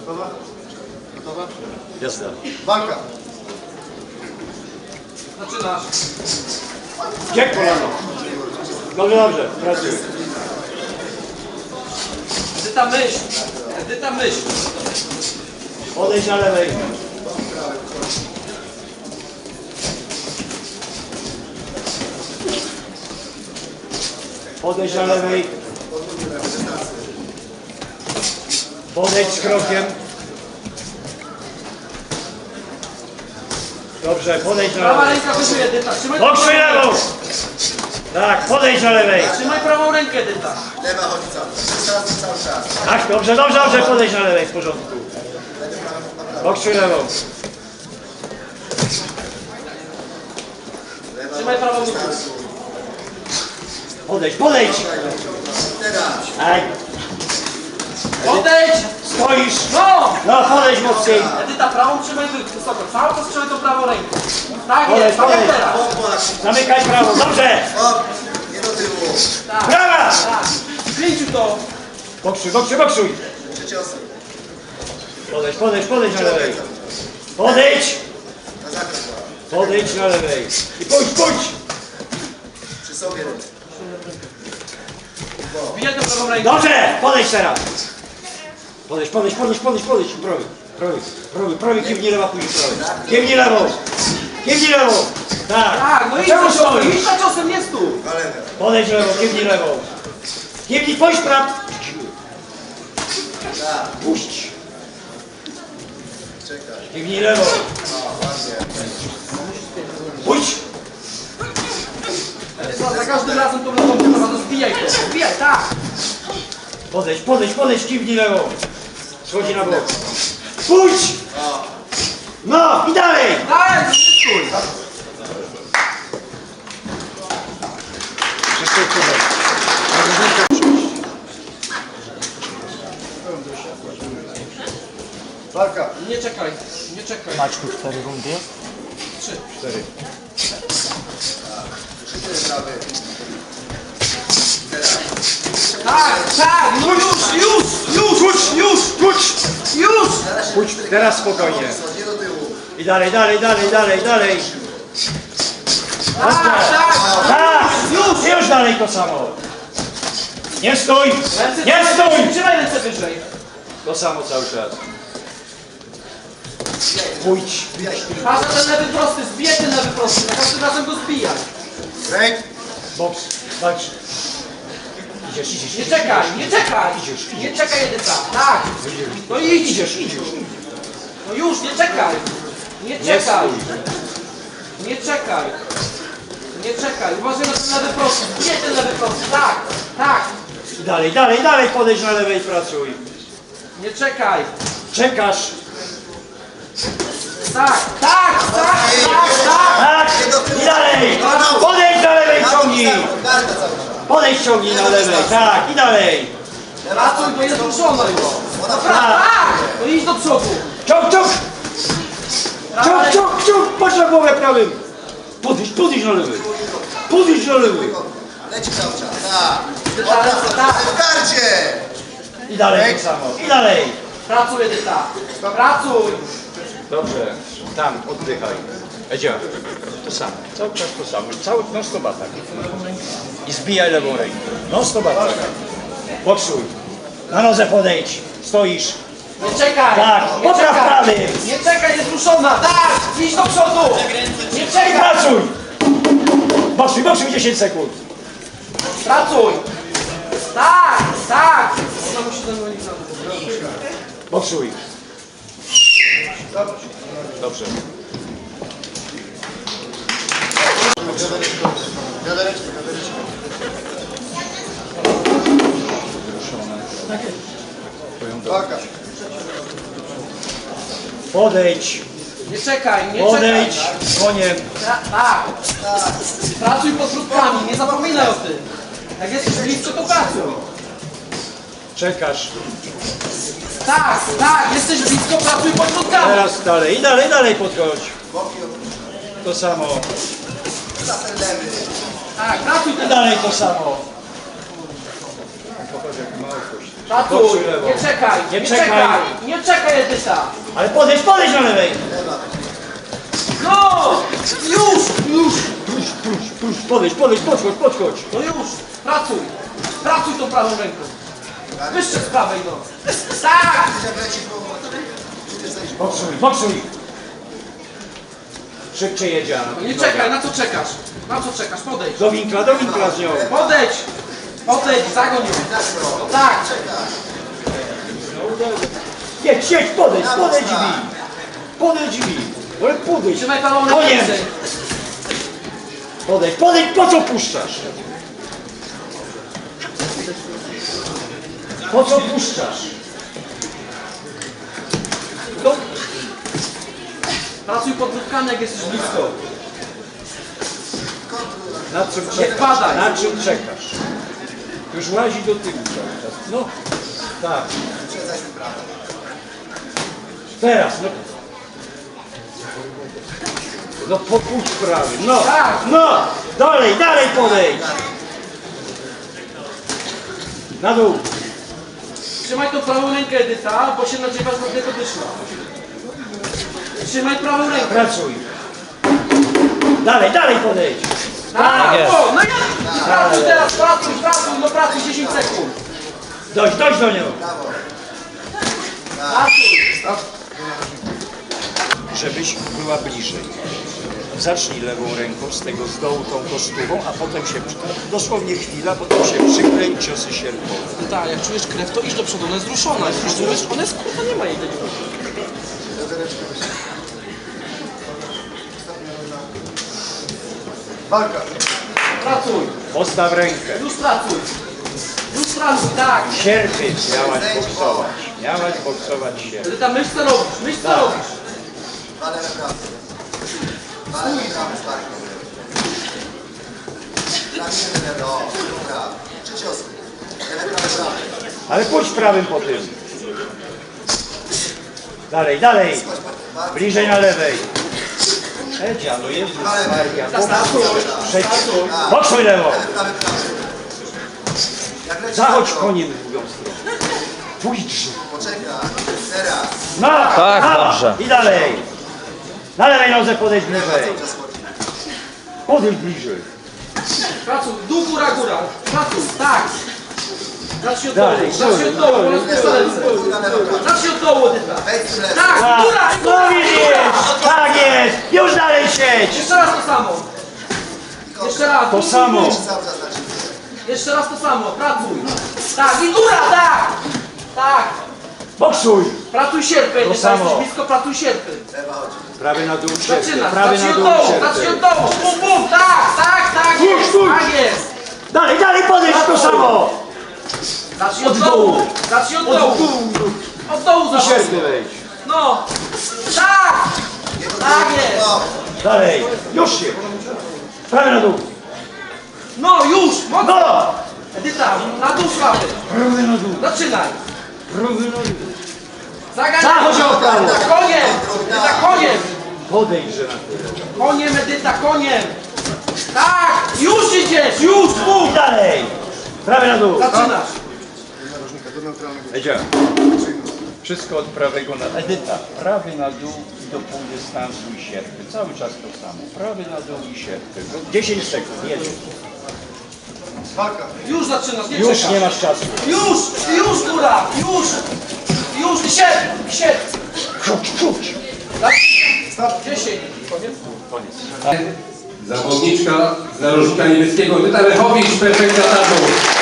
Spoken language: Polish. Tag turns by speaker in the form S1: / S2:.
S1: Gotowa? Gotowa?
S2: Jasne.
S1: Walka.
S3: Zaczynasz.
S2: Gdzie kolano? Dobrze, dobrze. Pracuj.
S3: Edyta myśl. Edyta myśl.
S2: Odejdź na lewej. Podejdź na lewej. Podejdź z krokiem. Dobrze, podejdź na
S3: Prawa
S2: lewej.
S3: ręka wyżej, Edyta. Trzymaj
S2: Bokrzyj lewą! Tak, podejdź na lewej.
S3: Trzymaj prawą rękę, Edyta.
S1: Lewa chodzi cały czas.
S2: Tak, dobrze, dobrze, dobrze, podejdź na lewej, w porządku. Bokrzyj lewą.
S3: Trzymaj prawą nogę.
S2: Podejdź, podejdź!
S1: Teraz.
S2: Tak,
S3: Odejdź!
S2: stoisz.
S3: No!
S2: No, podejdź mocniej.
S3: Edyta, prawą trzymaj wysoko. Cały czas trzymaj tą prawą rękę. Tak
S2: Podejdź,
S3: jest, tak jak
S2: podejdź.
S3: teraz.
S1: Pokład.
S2: Zamykaj prawo, dobrze.
S1: Hop. Nie do tyłu.
S3: Tak,
S2: Prawa!
S3: tak. Pięciu to.
S2: Bokrzyj, bokrzyj, bokrzyj.
S1: Trzy ciosy.
S2: Podejdź, podejdź, podejdź na lewej. Podejdź!
S1: Na zakres.
S2: Podejdź na lewej. I pójdź, pójdź!
S1: Przy sobie.
S3: Wbijaj tą prawą rękę.
S2: Dobrze! Podejdź teraz! Podejdź, podejdź, podejdź, podejdź, podejdź. Prawy, prawy, prawy, prawy, kiwnij lewa, później prawy. Kiwnij lewą! Kiwnij lewą! Tak!
S3: Tak, no idź
S2: Czemu
S3: za ciosem,
S2: stoisz?
S3: idź za ciosem, nie stój.
S1: Walewę.
S2: Podejdź lewą, kiwnij lewą. Kiwnij, pójdź praw!
S1: Tak.
S2: Puść!
S1: Czekaj.
S2: Kiwnij lewą.
S1: O, ładnie.
S2: Pójdź!
S3: Edyta, za każdym razem tą lewą trzeba, no zbijaj to. Zbijaj, tak.
S2: Podejdź, podejdź, podejdź, kiwnij lewą. Schodzi na bok. Pójdź!
S1: O.
S2: No i dalej!
S3: Dalej, no nie stój.
S2: Wszystko tutaj.
S1: Walka.
S3: Nie czekaj, nie czekaj.
S2: Maćku 4 rundy?
S3: 3.
S2: 4.
S1: Krzyczy prawy. Teraz.
S3: Tak, tak, no już!
S2: Pójdź teraz spokojnie.
S1: Nie do tyłu.
S2: I dalej, dalej, dalej, dalej, dalej.
S3: Tak, tak.
S2: Tak! Już dalej to samo. Nie stój!
S3: Ręce
S2: Nie stój!
S3: Trzymaj ręce wyżej.
S2: To samo cały czas. Pójdź.
S3: Patrz na ten lewy prosty, zbijaj ten lewy prosty, za każdym razem go zbijaj.
S1: Ręk.
S2: Boks. Walcz. Idziesz, idziesz.
S3: Nie czekaj, nie czekaj. Nie czekaj, Edyta. Tak. No idź.
S2: Idziesz, idziesz.
S3: No już, nie czekaj. Nie czekaj. Nie czekaj. Nie czekaj. Uważaj na ten lewy prosty. Zbijaj ten lewy prosty. Tak, tak.
S2: I dalej, dalej, dalej podejdź na lewej i pracuj.
S3: Nie czekaj.
S2: Czekasz.
S3: Tak, tak, tak, tak, tak.
S2: Tak! I dalej! Podejdź na lewej, ciągnij!
S1: Garda cały czas.
S2: Podejdź, ciągnij na lewej. Tak, i dalej.
S3: Pracuj, bo jest ruszona już.
S1: Ona
S3: Tak. No idź do przodu.
S2: Ciąg, ciąg! Ciąg, ciąg, ciąg! Patrz na głowę prawym! Podejdź, podejdź na lewej! Podejdź na lewej!
S1: leci cały czas. Tak.
S3: Tak, tak.
S1: W gardzie.
S2: I dalej to samo. I dalej!
S3: Pracuj, Edyta. Pracuj.
S2: Dobrze. Tam, oddychaj. Edzia. To samo. Cały czas to samo. Cały non stop atak. I zbijaj lewą rękę. Non stop atak. Boksuj. Na nodze podejdź. Stoisz.
S3: Nie czekaj.
S2: Tak,
S3: Nie
S2: popraw
S3: czekaj.
S2: prawy.
S3: Nie czekaj, jest ruszona. Tak. Idź do przodu. Nie
S2: I
S3: czekaj.
S2: pracuj! Boksuj, boksuj 10 sekund.
S3: Pracuj. Tak, tak. Ona musi ten unik
S2: Boksuj. Dobrze.
S1: Wiadereczkę. Walka.
S2: Podejdź.
S3: Nie czekaj, nie
S2: Podejdź.
S3: czekaj.
S2: Koniem.
S3: Tak. Pracuj pod środkami, nie zapominaj o tym. Jak jesteś blisko, to pracuj.
S2: Czekasz.
S3: Tak, tak, jesteś blisko, pracuj pod środkami.
S2: Teraz dalej. I dalej, dalej podchodź.
S1: Boki
S2: To samo.
S1: laser lewy.
S3: Tak, pracuj
S2: I
S3: ten.
S2: dalej to samo. Popatrz jak mało kości.
S3: Pracuj,
S2: Poczuj lewo.
S3: nie czekaj,
S2: Nie
S3: nie
S2: czekaj.
S3: czekaj, nie czekaj Edyta.
S2: Ale podejdź na lewej!
S3: No! Już!
S2: Podejdź, podchodź!
S3: No już! Pracuj! Pracuj tą prawą ręką! Wyższe z prawej, no! Tak!
S1: Jak leci głową.
S2: Boksuj! Szybciej jedzie.
S3: Nie czekaj, na co czekasz? Na co czekasz? Podejdź!
S2: Do winkla z nią.
S3: Podejdź! Podejdź, zagoń ją! Tak!
S2: Jedź, podejdź mi! Ale podejdź!
S3: Trzymaj prawą rękę
S2: Koniem!
S3: wyżej.
S2: Podejdź, po co puszczasz? Po co puszczasz? No,
S3: Pracuj podwódkami, jak jesteś blisko.
S2: na czym
S3: Nie wpadaj.
S2: Na czym czekasz? Już łazi do tyłu cały czas. No, tak. Teraz, no. No popuść prawy, no,
S3: Tak.
S2: no, dalej podejdź. Na dół.
S3: Trzymaj tą prawą rękę Edyta, bo się nadziewasz na tego dyszla. Trzymaj prawą rękę.
S2: Pracuj. Dalej podejdź.
S3: Tak,
S2: jest.
S3: o, no ja! Pracuj teraz, pracuj 10 sekund.
S2: Dojdź do niego.
S3: Pracuj.
S2: Żebyś była bliżej. Zacznij lewą ręką z tego z dołu tą kostówą, a potem się, dosłownie chwila, potem się przyklej ciosy sierpowe.
S3: Tak, jak czujesz krew, to idź do przodu, ona jest zruszona. Rozumiesz? Ona jest kurwa, nie ma jej do niego.
S1: Walka.
S3: Pracuj,
S2: Postaw rękę.
S3: już pracuj, tak.
S2: Sierpy miałaś boksować się.
S3: Edyta, myśl co robisz,
S2: Tak.
S1: Walę na prawo. Walę na prawo, sparkę. Prawimy lewo. Dobra. 3 ciosy. Lewe, prawo.
S2: Ale pójdź prawym po tym. Dalej. Bliżej na lewej. Edzia, no Jezus Maria. Boksuj lewo.
S1: Prawy. Jak leci
S2: Zachodź
S1: lewo.
S2: koniem w drugą stronę. Pójdź.
S1: Poczekaj. Teraz.
S2: No,
S4: Tak,
S2: no.
S4: dobrze.
S2: I dalej. Na lewej nodze podejdź
S1: Lewa
S2: bliżej.
S1: cały czas chodzi.
S2: Podejdź bliżej.
S3: Pracuj, dół, góra, pracuj, tak. Zacznij od dołu,
S2: Dalej,
S3: zacznij od dołu, bo rozpieszczę ręce.
S1: Góra, lewo, prawo.
S3: Zacznij od dołu, Edyta.
S1: Wejdź w lewo.
S3: Tak,
S2: Tak.
S3: góra,
S2: No widzisz, tak jest. Już dalej siedź.
S3: Jeszcze raz to samo. Jeszcze raz.
S2: To samo.
S1: Cały czas na ciebie.
S3: Jeszcze raz to samo, pracuj. Tak, i góra, tak.
S2: Boksuj.
S3: Pracuj sierpy, Edyta,
S2: samo.
S3: jesteś blisko, pracuj sierpy.
S1: Lewa chodzi.
S2: Prawy na dół sierpy.
S3: Zaczynasz,
S2: Prawy
S3: zacznij
S2: na
S3: od
S2: dół
S3: dołu,
S2: sierpy.
S3: zacznij od dołu. Bum, tak jest,
S2: Dalej podejdź to samo.
S3: Zacznij od dołu, Od dołu
S2: I
S3: zacznij.
S2: sierpy wejdź.
S3: No, tak jest.
S1: No.
S2: Dalej. Już się. Prawy na dół.
S3: No, już, mocno.
S2: No.
S3: Edyta, na dół słaby.
S2: Prawy na dół.
S3: Zaczynaj.
S2: Prawy na dół.
S3: Zagadaj.
S2: Zachodź o prawo.
S3: Edyta, koniem.
S2: Podejdźże na tyle.
S3: Koniem, Edyta, koniem. Tak, już idziesz, już,
S2: I dalej. Prawy na dół.
S3: Zaczynasz.
S2: Edzia. Wszystko od prawego na... Edyta. Prawy na dół i do pół dystansu i sierpy. Cały czas to samo. Prawy na dół i sierpy. 10 sekund. Jedziesz.
S1: Walka.
S3: Już zaczynasz, nie
S2: Już
S3: czekasz.
S2: nie masz czasu.
S3: Już, góra, już, i sierp.
S2: Kruć.
S3: 10, koniec.
S2: Koniec.
S5: Zawodniczka z narożnika niebieskiego, Edyta Lechowicz, perfekta tabu.